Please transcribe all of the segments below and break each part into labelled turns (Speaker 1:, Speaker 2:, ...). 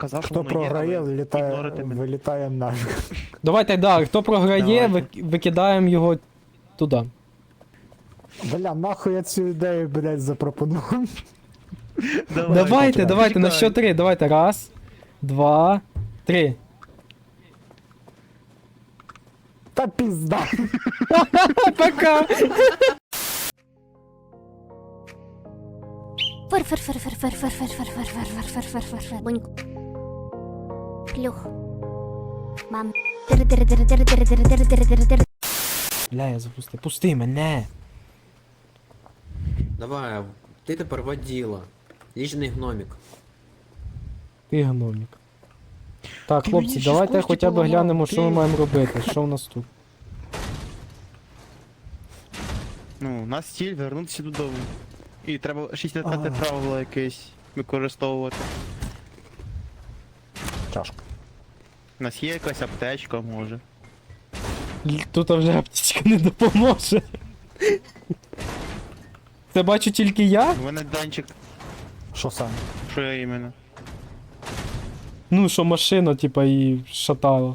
Speaker 1: казав, що
Speaker 2: Хто
Speaker 1: воно є,
Speaker 2: програє,
Speaker 1: але ігнорити мене.
Speaker 2: вилітаємо нафіг.
Speaker 3: Давайте, да, хто програє,
Speaker 1: Давайте.
Speaker 3: викидаємо його туди.
Speaker 2: Бля, нахуй я цю ідею, блядь, запропонував.
Speaker 3: Давайте, на що 3, давайте, 1, 2, 3.
Speaker 2: Та пізда.
Speaker 3: Пока!
Speaker 4: Фыр-фыр-фыр-фыр-фыр-фыр-фыр-фыр-фыр-фыр-фыр-фыр-фыр-фыр-фыр. Буньк. Плюх. Мам. Дыр-дыр-дыр-дыр-дыр-дыр-дыр-дыр-дыр-дыр.
Speaker 3: Бля, я запустив. Пусти мене!
Speaker 5: Давай, ти тепер воділа. Ліжний гномік.
Speaker 3: Ти гномік. Так,
Speaker 1: Ти
Speaker 3: хлопці,
Speaker 1: мені ще
Speaker 3: давайте
Speaker 1: кості
Speaker 3: хоча б
Speaker 1: поламав,
Speaker 3: глянемо, що ми
Speaker 1: ти.
Speaker 3: маємо робити. Що в нас тут?
Speaker 1: Ну, у нас ціль вернутися додому. І треба 65 правило якесь використовувати.
Speaker 2: Чашка.
Speaker 1: У нас є якась аптечка, може.
Speaker 3: Тут вже аптечка не допоможе. Це бачу тільки я?
Speaker 1: У мене Данчик,
Speaker 2: Що саме?
Speaker 1: що я іменно.
Speaker 3: Ну, що машина, типа, і шатала.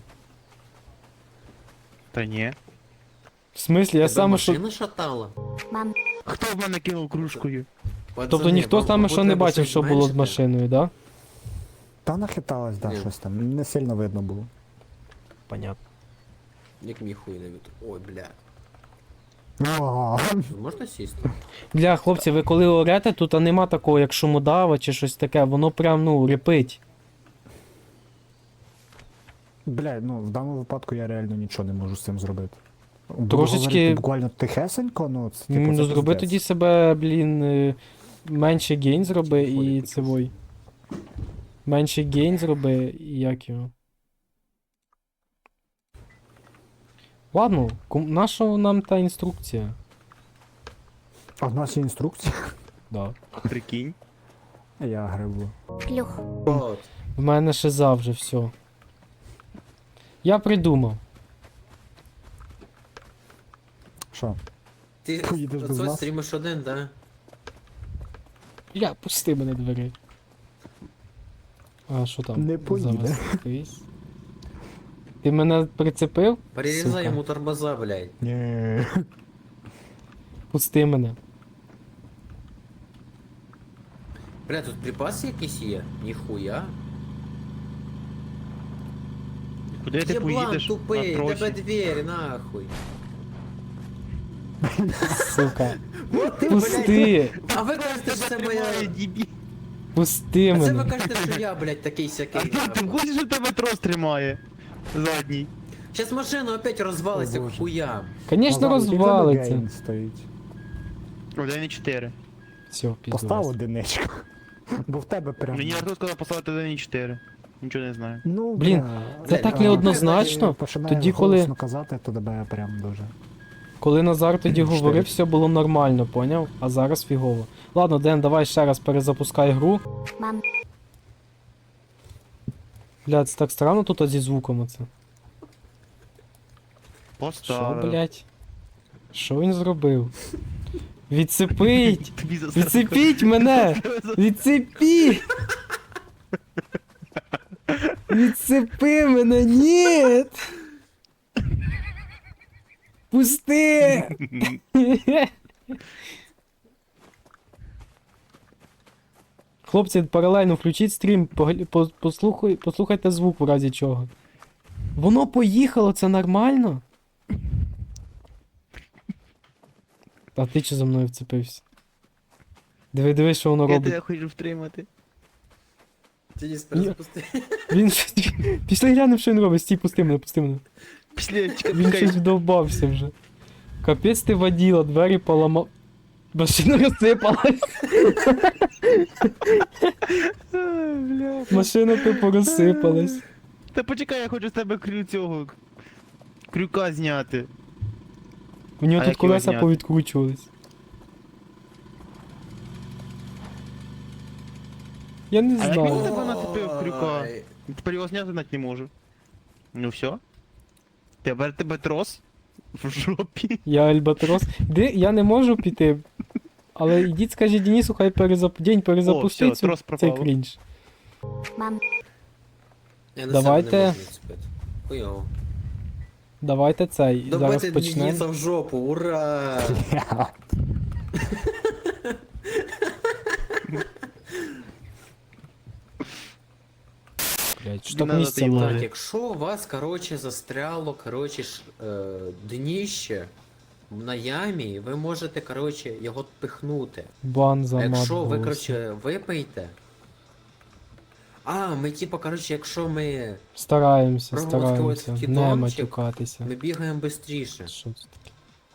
Speaker 1: Та ні.
Speaker 3: В смислі, я
Speaker 5: Тебе
Speaker 3: саме що.
Speaker 5: машина шатала?
Speaker 4: Мам.
Speaker 1: Хто в мене кинув кружкою?
Speaker 3: Тобто
Speaker 5: Пацани,
Speaker 3: ніхто
Speaker 5: вам,
Speaker 3: саме
Speaker 5: або
Speaker 3: що не
Speaker 5: треба
Speaker 3: бачив,
Speaker 5: щось
Speaker 3: що було з
Speaker 5: зменшити.
Speaker 3: машиною, да?
Speaker 2: Та нахиталась, да,
Speaker 5: Ні.
Speaker 2: щось там. Не сильно видно було.
Speaker 3: Понятно.
Speaker 5: Як мій хуй не від... Ой, бля.
Speaker 2: О,
Speaker 5: Ви можете сісти?
Speaker 3: Бля, хлопці, ви коли орете, тут нема такого, як шумодава чи щось таке, воно прям, ну, репить.
Speaker 2: Бля, ну в даному випадку я реально нічого не можу з цим зробити. Буду
Speaker 3: Трошечки-
Speaker 2: говорити буквально тихесенько, ну це типу,
Speaker 3: Ну,
Speaker 2: це
Speaker 3: зроби
Speaker 2: пиздець.
Speaker 3: тоді себе, блін, менше гейн зроби і цивой. Менше гейн зроби і як його. Ладно, наша нам та інструкція?
Speaker 2: А в нас є інструкція.
Speaker 3: Да.
Speaker 1: Прикинь.
Speaker 2: Я грибу.
Speaker 4: Плюх.
Speaker 5: От.
Speaker 3: В мене шиза вже все. Я придумав.
Speaker 2: Що?
Speaker 5: Ти
Speaker 2: Поїдеш без
Speaker 5: оце
Speaker 2: нас?
Speaker 5: стрімиш один, да?
Speaker 3: Бля, пусти мене двері. А що там?
Speaker 2: Не поїде.
Speaker 3: Завестись. Ти мене прицепив?
Speaker 5: Перерізай
Speaker 3: Сука.
Speaker 5: йому тормоза, блядь.
Speaker 2: Ні.
Speaker 3: Пусти мене.
Speaker 5: Бля, тут припаси якісь є? Ніхуя.
Speaker 1: Куди ти
Speaker 5: Єблан
Speaker 1: поїдеш
Speaker 5: тупий,
Speaker 1: на
Speaker 5: тебе
Speaker 1: тросі?
Speaker 5: двері, нахуй.
Speaker 3: Сука.
Speaker 5: От ти,
Speaker 3: Пусти!
Speaker 5: блядь. А ви кажете, що це моя...
Speaker 3: Пусти
Speaker 5: А це ви
Speaker 3: мене.
Speaker 5: кажете, що я, блядь, такий сякий.
Speaker 1: А ти хочеш, що тебе трос тримає? Задній.
Speaker 5: Щас машина опять розвалиться
Speaker 2: О,
Speaker 5: к
Speaker 2: Боже.
Speaker 5: хуям.
Speaker 3: Звісно,
Speaker 2: Назар, який в тебе
Speaker 3: розвалиться.
Speaker 2: гейн стоїть.
Speaker 1: 1,4.
Speaker 3: Все,
Speaker 2: Постав
Speaker 3: пізно.
Speaker 2: одиничку. Бо в тебе прям.
Speaker 1: Мені Артур сказав поставити 1,4. Нічого не знаю.
Speaker 2: Ну,
Speaker 3: Блін,
Speaker 2: бля,
Speaker 3: це
Speaker 5: Блядь,
Speaker 3: так
Speaker 5: а,
Speaker 3: неоднозначно.
Speaker 2: починає
Speaker 3: Тоді, коли-
Speaker 2: голосно казати, то тебе прям дуже.
Speaker 3: Коли Назар тоді
Speaker 2: Чотири.
Speaker 3: говорив, все було нормально, поняв? А зараз фігово. Ладно, Ден, давай ще раз перезапускай гру.
Speaker 4: Мам.
Speaker 3: Бля, це так странно тут зі звуком оце. Що,
Speaker 1: Поставив.
Speaker 3: блять? Що він зробив? Відсипить!
Speaker 1: Тобі за
Speaker 3: Відсипіть мене! Відсипіть! Відсипи мене, ні! Пусти! Хлопці, паралельно включіть стрім, послухайте звук в разі чого. Воно поїхало, це нормально? А ти чи за мною вцепився? Диви, що воно
Speaker 1: Я
Speaker 3: робить.
Speaker 1: тебе хочу втримати.
Speaker 5: Ти не перезапусти.
Speaker 3: Він пішли глянемо, що він робить. Стій, пусти мене, пусти мене.
Speaker 1: Після
Speaker 3: Він щось вдовбався вже. Капець ти воділа, двері поламав. Машина розсипалась. Машина тупо розсипалась.
Speaker 1: Та почекай, я хочу з тебе цього крюка зняти.
Speaker 3: У нього
Speaker 1: А
Speaker 3: тут
Speaker 1: як його
Speaker 3: колеса
Speaker 1: зняти?
Speaker 3: повідкручувались. Я не
Speaker 1: А як він
Speaker 3: знаю.
Speaker 1: тебе нацепив крюка?
Speaker 5: Ой.
Speaker 1: Тепер його зняти навіть не можу. Ну все. Тепер тебе трос в жопі.
Speaker 3: Я Альбатрос. Я не можу піти. Але йдіть, скажіть Денису, хай день перезапустить
Speaker 1: О, всьо, трос
Speaker 3: цей
Speaker 1: пропав.
Speaker 3: крінж.
Speaker 4: Мам.
Speaker 5: Я на
Speaker 3: Давайте.
Speaker 5: себе не можу відцепити. Хуйово.
Speaker 3: Давайте цей. Зараз
Speaker 5: Добити
Speaker 3: почнемо.
Speaker 5: Дениса в жопу, ура!
Speaker 3: Блядь, що так
Speaker 1: Надо
Speaker 3: місця
Speaker 1: ти
Speaker 3: мало?
Speaker 5: Так, якщо у вас, короче, застряло, короче, дніще на ямі, ви можете, короче, його пихнути.
Speaker 3: Бан
Speaker 5: А
Speaker 3: за мат
Speaker 5: якщо ви,
Speaker 3: голосу.
Speaker 5: короче, випийте. А, ми типа, короче, якщо ми
Speaker 3: Стараємося,
Speaker 5: Проводити
Speaker 3: стараємося.
Speaker 5: ось
Speaker 3: Не
Speaker 5: кідончик.
Speaker 3: матюкатися.
Speaker 5: бігаємо швидше.
Speaker 3: Що це таке?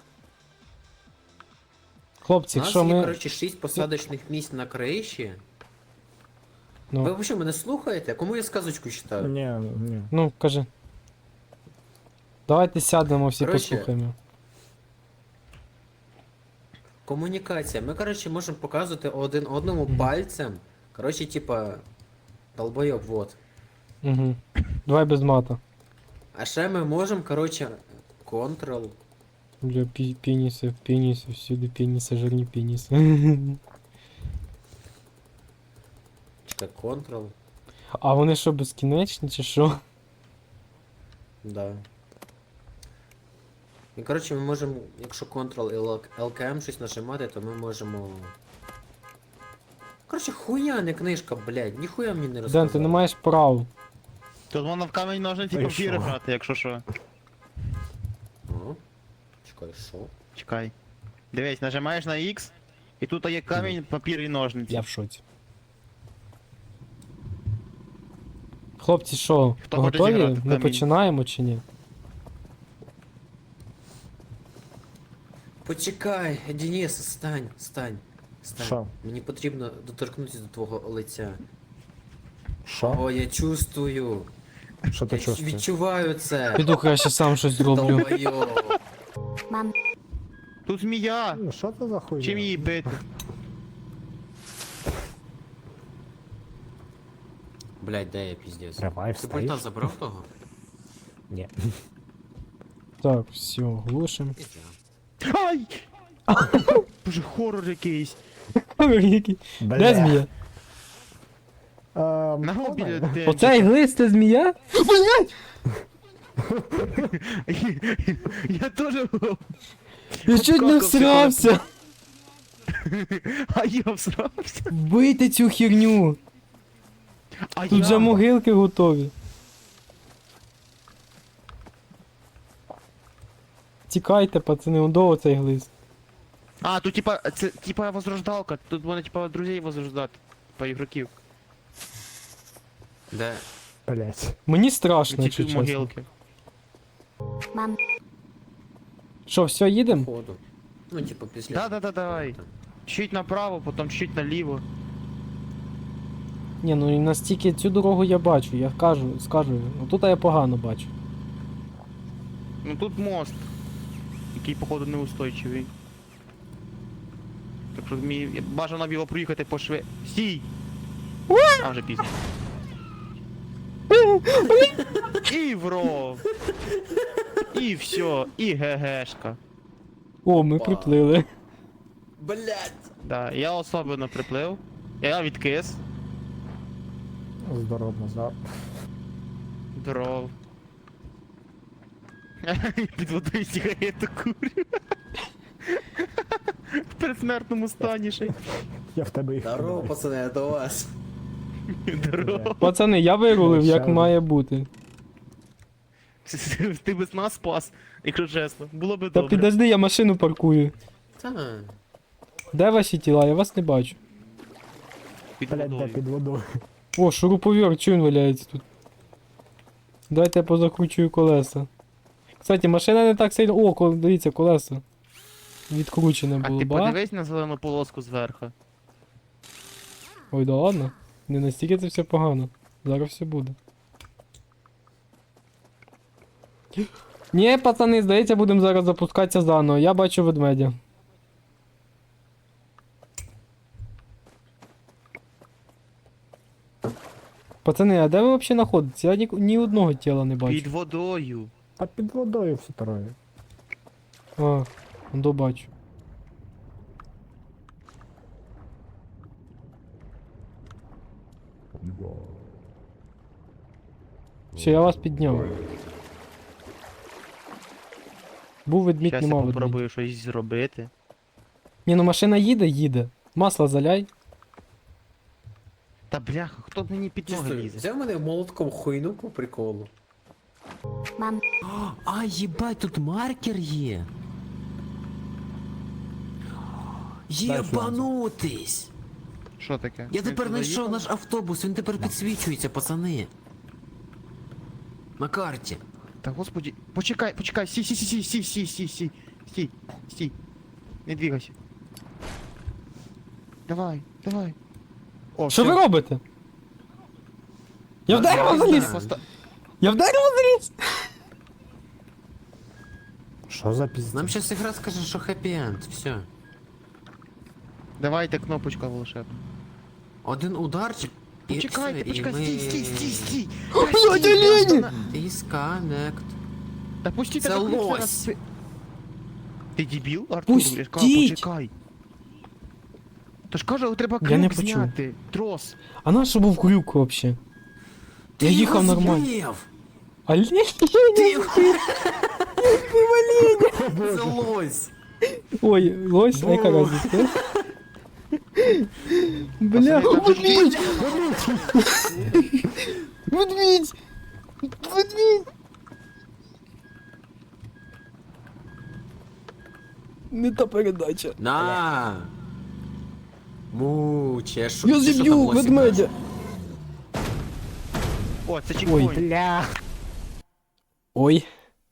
Speaker 3: Хлопці,
Speaker 5: У нас
Speaker 3: якщо
Speaker 5: є,
Speaker 3: ми.
Speaker 5: короче, 6 посадочних місць на криші.
Speaker 3: Ну,
Speaker 5: Ви взагалі мене слухаєте? Кому я сказочку читаю?
Speaker 2: Ні, ні.
Speaker 3: ну, кажи. Давайте сядемо всі
Speaker 5: Короче,
Speaker 3: послухаємо.
Speaker 5: Комунікація. Ми, короче, можемо показувати один одному пальцем. Короче, типа, долбойоб, вот.
Speaker 3: Угу. Давай без мата.
Speaker 5: А ще ми можемо, короче, Ctrl.
Speaker 3: Бля, пеніси, всюди пеніси, жирні пеніси.
Speaker 5: Чекай, Ctrl.
Speaker 3: А вони що, безкінечні чи що?
Speaker 5: Да. І коротше ми можемо, якщо Ctrl і LKM щось нажимати, то ми можемо. Коротше, хуя не книжка, блядь, ніхуя мені не розказав.
Speaker 3: Ден, ти не маєш прав.
Speaker 1: Тут можна в камінь ножниці
Speaker 2: Та й
Speaker 1: папір
Speaker 2: що?
Speaker 1: грати, якщо що.
Speaker 5: О, чекай, що?
Speaker 1: Чекай. Дивись, нажимаєш на X, і тут є камінь, папір і ножниці.
Speaker 3: Я в шоці. Хлопці, що,
Speaker 1: Хто хоче
Speaker 3: готові?
Speaker 1: зіграти в
Speaker 3: Ми
Speaker 1: камінь?
Speaker 3: починаємо чи ні?
Speaker 5: Почекай, Денис, стань.
Speaker 2: Що?
Speaker 5: Мені потрібно доторкнутися до твого лиця.
Speaker 2: Що?
Speaker 5: О, я чувствую.
Speaker 2: Що ти
Speaker 5: Я
Speaker 2: чувствуєш?
Speaker 5: відчуваю це.
Speaker 3: Піду краще сам щось зроблю.
Speaker 5: Долбойоб.
Speaker 4: Мам,
Speaker 1: Тут змія!
Speaker 2: Ну, що це за хуйня?
Speaker 1: Чим її бити?
Speaker 5: Блядь, де я піздець?
Speaker 2: Тривай,
Speaker 5: Ти
Speaker 2: встаєш?
Speaker 5: пульта забрав того?
Speaker 2: Ні.
Speaker 3: Так, все, глушим.
Speaker 1: Ай! Боже, хорор якийсь.
Speaker 3: Який? Де змія?
Speaker 1: На губі де.
Speaker 3: Оцей глист це змія? Блять!
Speaker 1: Я теж.
Speaker 3: Я чуть не всрався!
Speaker 1: А я всрався.
Speaker 3: Бийте цю херню!
Speaker 1: А
Speaker 3: Тут вже могилки готові. Тікайте, пацани, он до оцей глист.
Speaker 1: А, тут типа, це типа возрождалка. Тут вони типа друзей возрождати. Типа ігроків.
Speaker 5: Де?
Speaker 2: Блять.
Speaker 3: Мені страшно,
Speaker 1: Ці
Speaker 3: якщо
Speaker 1: тут
Speaker 3: чесно.
Speaker 1: могилки.
Speaker 4: мам,
Speaker 3: Що, все, їдемо?
Speaker 5: Ходу. Ну, типа, після.
Speaker 1: Да, давай. Чуть направо, потім чуть наліво.
Speaker 3: Ні, ну і настільки цю дорогу я бачу, я скажу. Отут я погано бачу.
Speaker 1: Ну тут мост. Який, походу, неустойчивий. Так що мені бажано було проїхати по шве. Стій! А вже пізно. І вров! І все, і ГГшка.
Speaker 3: О, ми
Speaker 5: Опа.
Speaker 3: приплили.
Speaker 5: Блядь!
Speaker 1: Да, я особливо приплив. Я відкис.
Speaker 2: Здоров назад.
Speaker 1: Дров. Під водою сигарету курю. В предсмертному стані ще.
Speaker 2: Я в тебе їх
Speaker 5: Здорово,
Speaker 2: кидаю.
Speaker 5: пацани, я до вас.
Speaker 1: Дров.
Speaker 3: Пацани, я вирулив, як
Speaker 2: Щас.
Speaker 3: має бути.
Speaker 1: Ти би нас спас, якщо чесно. Було би
Speaker 3: Та
Speaker 1: добре.
Speaker 3: підожди, я машину паркую.
Speaker 5: Та.
Speaker 3: Де ваші тіла? Я вас не бачу.
Speaker 1: Під
Speaker 2: Блять, де
Speaker 1: водою.
Speaker 2: під водою.
Speaker 3: О, шуруповерт, чого він валяється тут? Дайте я позакручую колеса. Кстати, машина не так сильно. О, дивіться, колеса. Відкручене
Speaker 1: А
Speaker 3: було,
Speaker 1: ти
Speaker 3: ба?
Speaker 1: подивись на зелену полоску зверху.
Speaker 3: Ой, да ладно. Не настільки це все погано. Зараз все буде. Ні, пацани, здається, будемо зараз запускатися заново. Я бачу ведмедя. Пацани, а де ви взагалі знаходитесь? Я ні одного тіла не бачу.
Speaker 1: Під водою.
Speaker 2: А під водою все троє.
Speaker 3: А, бачу. Все, я вас підняв. Був ведмідь,
Speaker 1: Щас я
Speaker 3: нема ведмідь.
Speaker 1: попробую щось зробити.
Speaker 3: Ні, ну машина їде, їде. Масло заляй.
Speaker 1: Та бляха, хто мені під ноги
Speaker 5: Чисто,
Speaker 1: лізе?
Speaker 5: взяв мене молотком хуйну по приколу.
Speaker 4: Мам.
Speaker 5: А, їбать, тут маркер є. Єбанутись!
Speaker 1: Що таке?
Speaker 5: Я
Speaker 1: Він
Speaker 5: тепер
Speaker 1: туди
Speaker 5: знайшов
Speaker 1: їхав?
Speaker 5: наш автобус, він тепер підсвічується, пацани. На карті.
Speaker 1: Та господи, почекай, почекай, стій, стій, стій, стій, стій, стій, стій, стій, стій. Не двигайся. Давай, давай. О,
Speaker 3: Що ви
Speaker 1: всё.
Speaker 3: робите? Я в дерево
Speaker 5: Я
Speaker 3: заліз!
Speaker 5: знаю.
Speaker 3: Я в дерево заліз!
Speaker 2: Що за піздець?
Speaker 5: Нам щас ігра скаже, що хеппі-енд, все.
Speaker 1: Давайте кнопочка волшебна.
Speaker 5: Один ударчик і
Speaker 1: Почекайте,
Speaker 5: все,
Speaker 1: почекай,
Speaker 5: і ми...
Speaker 1: стій, стій, стій, стій.
Speaker 3: Блядь, олені!
Speaker 5: Disconnect.
Speaker 1: Та пустіть,
Speaker 5: Це
Speaker 1: та так
Speaker 5: лось.
Speaker 1: раз. Ти дебіл, Артур?
Speaker 3: Пустіть!
Speaker 1: Я ж кажу, почекай. То ж кажу, треба
Speaker 3: Я не
Speaker 1: крюк
Speaker 3: почув.
Speaker 1: зняти. Трос.
Speaker 3: А на що був крюк вообще? Я їхав нормально.
Speaker 5: Збив!
Speaker 3: Олень?
Speaker 5: Ти його... Це лось!
Speaker 3: Ой, лось, а яка разниця? Бля,
Speaker 1: Пацани, там же
Speaker 3: ведмідь! Ведмідь! Ведмідь! Не та передача.
Speaker 5: На! Муче, що
Speaker 3: Я
Speaker 5: ти що там
Speaker 3: зіб'ю
Speaker 5: лосі
Speaker 3: ведмедя!
Speaker 1: О, це чекпоінт.
Speaker 2: Бля.
Speaker 3: Ой.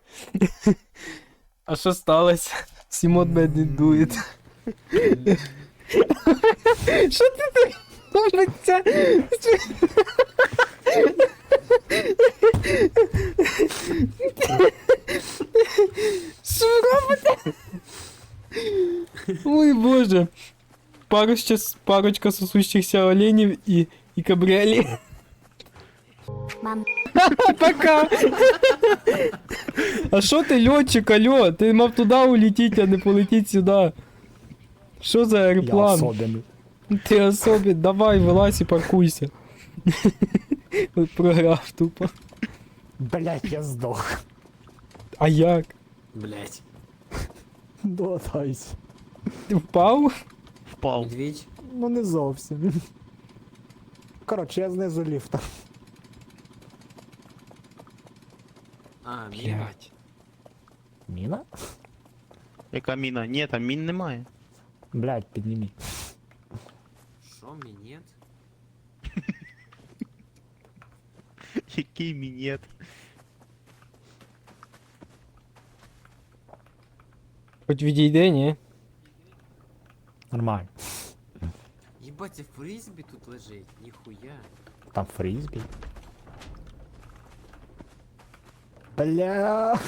Speaker 3: А що сталося? Сімон мене дує. Що ти так робиться? Що ви робите? Ой боже. Парочка сосущихся оленів і кабріолет.
Speaker 4: Мам.
Speaker 3: Пока. А що ти, льотчик, алло? Ти мав туди улетіти, а не полетіть сюди. Що за
Speaker 2: Я
Speaker 3: аероплан?
Speaker 2: особенний.
Speaker 3: Ти особі, давай, вилазь і паркуйся. Програв тупо.
Speaker 2: Блять, я здох.
Speaker 3: А як?
Speaker 5: Блять.
Speaker 2: Долатайся.
Speaker 3: Ти впав?
Speaker 1: Впав.
Speaker 5: Медведь.
Speaker 2: Ну не зовсім. Коротше, я знизу ліфта.
Speaker 5: А, міна.
Speaker 2: Міна?
Speaker 1: Яка міна? Ні, там мін немає.
Speaker 2: Блять, підніміть.
Speaker 5: Що, мінет?
Speaker 1: Який мінет?
Speaker 3: Хоч відійди, ні?
Speaker 2: Нормально.
Speaker 5: Єбать, це фрізбі тут лежить, ніхуя.
Speaker 2: Там фрізбі. Бля.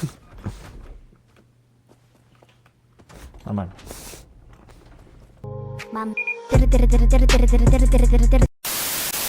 Speaker 2: Нормально.
Speaker 4: Мам. Тири-тири-тири-тири-тири-тири-тири-тири-тири-тири.